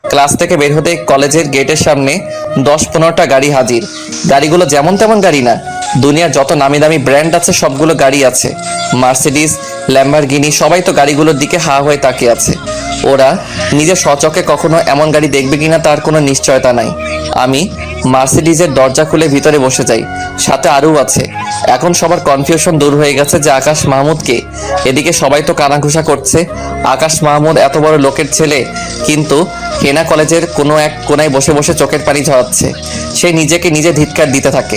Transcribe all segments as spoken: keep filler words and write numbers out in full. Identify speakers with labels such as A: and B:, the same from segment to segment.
A: Class থেকে বের হতে কলেজের গেটের সামনে দশ পনেরোটা গাড়ি হাজির। গাড়িগুলো যেমন তেমন গাড়ি না, দুনিয়ার যত নামি দামি ব্র্যান্ড আছে সবগুলো গাড়ি আছে। মার্সিডিজ, ল্যাম্বরগিনি, সবাই তো গাড়িগুলোর দিকে হা হয়ে তাকিয়ে আছে। ওরা নিজের স্বচক্ষে কখনো এমন গাড়ি দেখবে কিনা তার কোনো নিশ্চয়তা নাই। আমি মার্সিডিজের দরজা খুলে ভিতরে বসে যাই, সাথে আরও আছে। এখন সবার কনফিউশন দূর হয়ে গেছে যে আকাশ মাহমুদকে। এদিকে সবাই তো কানাঘুষা করছে, আকাশ মাহমুদ এত বড় লোকের ছেলে, কিন্তু হেনা কলেজের কোনো এক কোনায় বসে বসে চোখের পানি ঝরাচ্ছে। সে নিজেকে নিজে ধিক্কার দিতে থাকে।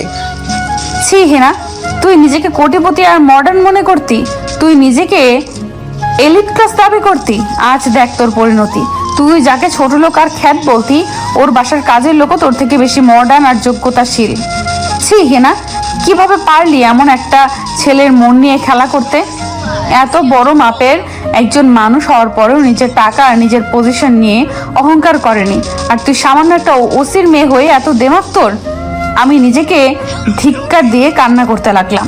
B: ছি হেনা, তুই নিজেকে কোটিপতি আর মডার্ন মনে করতি, তুই নিজেকে এলিট ক্লাস দাবি করতি। আজ দেখ তোর পরিণতি। তুই যাকে ছোট লোক আর খ্যাত বলতি, ওর বাসার কাজের লোকও তোর থেকে বেশি মডার্ন আর যোগ্যতাশীল। ছি হেনা, কিভাবে পারলি এমন একটা ছেলের মন নিয়ে খেলা করতে? এত বড় মাপের একজন মানুষ হওয়ার পরেও নিজের টাকা আর নিজের পজিশন নিয়ে অহংকার করেনি, আর তুই সামান্য একটা ওসির মেয়ে হয়ে এত দেমাগ তোর। আমি নিজেকে ধিক্কার দিয়ে কান্না করতে লাগলাম।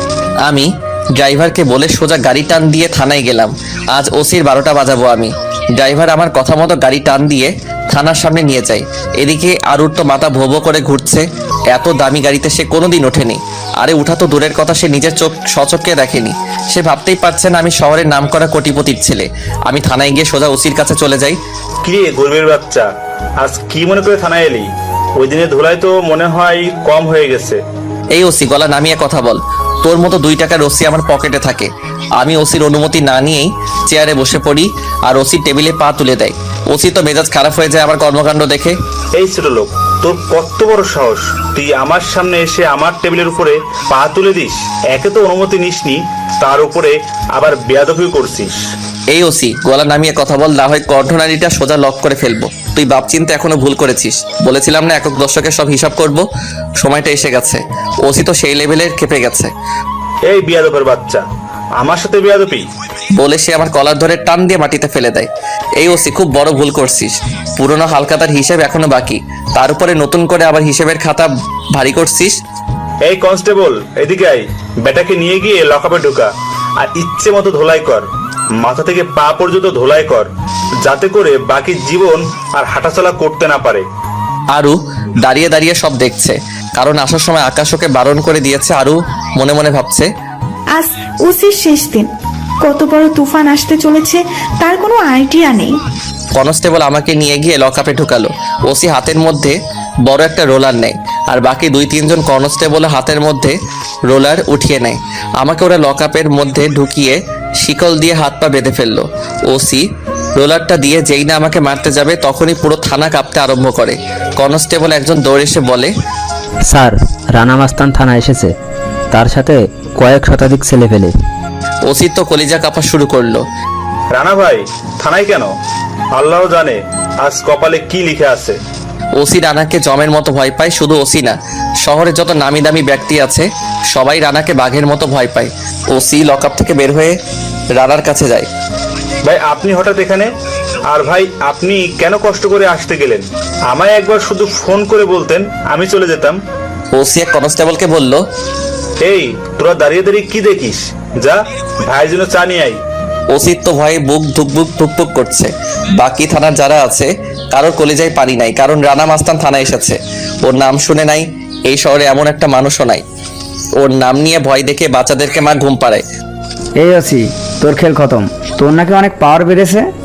A: আমি ড্রাইভারকে বলে সোজা গাড়ি টান দিয়ে থানায় গেলাম। আজ ওসির বারোটা বাজাবো আমি। ড্রাইভার আমার কথা মতো গাড়ি টান দিয়ে থানার সামনে নিয়ে যায়। এদিকে আরুর তো মাথা ভোবো করে ঘুরছে, এত দামি গাড়িতে সে কোনোদিন ওঠেনি। আরে উঠা তো দূরের কথা, সে নিজের চোখ সচক্ষে দেখেনি। সে ভাবতেই পারছে না আমি শহরের নাম করা কোটিপতির ছেলে। আমি থানায় গিয়ে সোজা ওসির কাছে চলে যাই।
C: কিরে গরিবের বাচ্চা, আজ কি মনে করে থানায় এলি? ওই দিনে ধুলাই তো মনে হয় কম হয়ে গেছে।
A: এই ওসি, গলা নামিয়ে কথা বল। তোর মতো দুই টাকার ওসি আমার পকেটে থাকে। আমি ওসির অনুমতি না নিয়েই চেয়ারে বসে পড়ি, আর ওসি টেবিলে পা তুলে দেয়। ওসি তো মেজাজ খারাপ হয়ে যায় আমার কর্মকাণ্ড দেখে।
C: এই ছোট লোক, তোর কত বড় সাহস, তুই আমার সামনে এসে আমার টেবিলের উপরে পা তুলে দিস? একে তো অনুমতি নিসনি, তার উপরে আবার বেয়াদবি করছিস।
A: এই ওসি, গলা নামিয়ে কথা বল, না হয় কণ্ঠনালীটা সোজা লক করে ফেলবো। তুই বাপ চিনতে এখনো ভুল করেছিস। বলেছিলাম না একক দর্শকের সব হিসাব করব, সময়টা এসে গেছে। ওসি তো সেই লেভেলের খেপে গেছে।
C: এই বেয়াদবের বাচ্চা, আমার সাথে বেয়াদবি?
A: বলে সে আমার কলার ধরে টান দিয়ে মাটিতে ফেলে দেয়। এই ওসি, খুব বড় ভুল করছিস। পুরনো হালখাতার হিসেব এখনো বাকি, তার উপরে নতুন করে আবার হিসেবের খাতা ভারী করছিস।
C: এই কনস্টেবল, এদিকে আয়, বেটাকে নিয়ে গিয়ে লকআপে ঢোকা, আর ইচ্ছে মতো ধোলাই কর, মাথা থেকে পা পর্যন্ত ধোলাই কর, যাতে করে বাকি জীবন আর হাঁটাচলা করতে না পারে।
A: আরু দাঁড়িয়ে দাঁড়িয়ে সব দেখছে, কারণ আসার সময় আকাশ ওকে বারণ করে দিয়েছে। আরু মনে মনে ভাবছে,
D: আজ ওসির শেষ দিন, কত বড় তুফান আসতে চলেছে তার কোনো আইডিয়া নেই।
A: কনস্টেবল আমাকে নিয়ে গিয়ে লকআপে ঢুকালো। ওসি হাতের মধ্যে বড় একটা রোলার নেয়, আর বাকি দুই তিনজন কনস্টেবল হাতের মধ্যে রোলার উঠিয়ে নেয়। আমাকে ওরা লকআপের মধ্যে ঢুকিয়ে শিকল দিয়ে হাত পা বেঁধে ফেললো। ওসি রোলারটা দিয়ে যেই না আমাকে মারতে যাবে, তখনই পুরো থানা কাঁপতে আরম্ভ করে। কনস্টেবল একজন দৌড়ে এসে বলে,
E: স্যার, রানা মাস্তান থানা এসেছে, তার সাথে কয়েক শতাধিক ছেলে ফেলে।
A: ওসি তো কলিজা কাঁপা শুরু করলো।
C: রানা ভাই থানায় কেন? আল্লাহ জানে আজ কপালে কি লিখে আছে।
A: ওসি রানাকে জমের মতো ভয় পায়। শুধু ওসি না, শহরে যত নামি দামি ব্যক্তি আছে সবাই রানাকে বাঘের মতো ভয় পায়। ওসি লকআপ থেকে বের হয়ে রানার কাছে যায়।
C: ভাই আপনি হঠাৎ এখানে? আর ভাই আপনি কেন কষ্ট করে আসতে গেলেন? আমায় একবার শুধু ফোন করে বলতেন, আমি চলে যেতাম।
A: ওসি এক কনস্টেবলকে বলল,
C: এই তোরা দাঁড়িয়ে দাঁড়িয়ে কি দেখিস, যা ভাইয়ের জন্য চা নিয়ে আই।
A: ওসির তো ভয়ে বুক ধুকবুক ধুকপুক করছে। বাকি থানার যারা আছে কারোর কলিজায় পানি নাই, কারণ রানা মাস্তান থানায় এসেছে। ওর নাম শুনে নাই, এই শহরে এমন একটা মানুষও নাই। ওর নাম নিয়ে ভয় দেখে বাচ্চাদেরকে মা ঘুম পাড়ায়।
F: এই ওসি, তোর খেল খতম। তোর নাকি অনেক পাওয়ার বেড়েছে।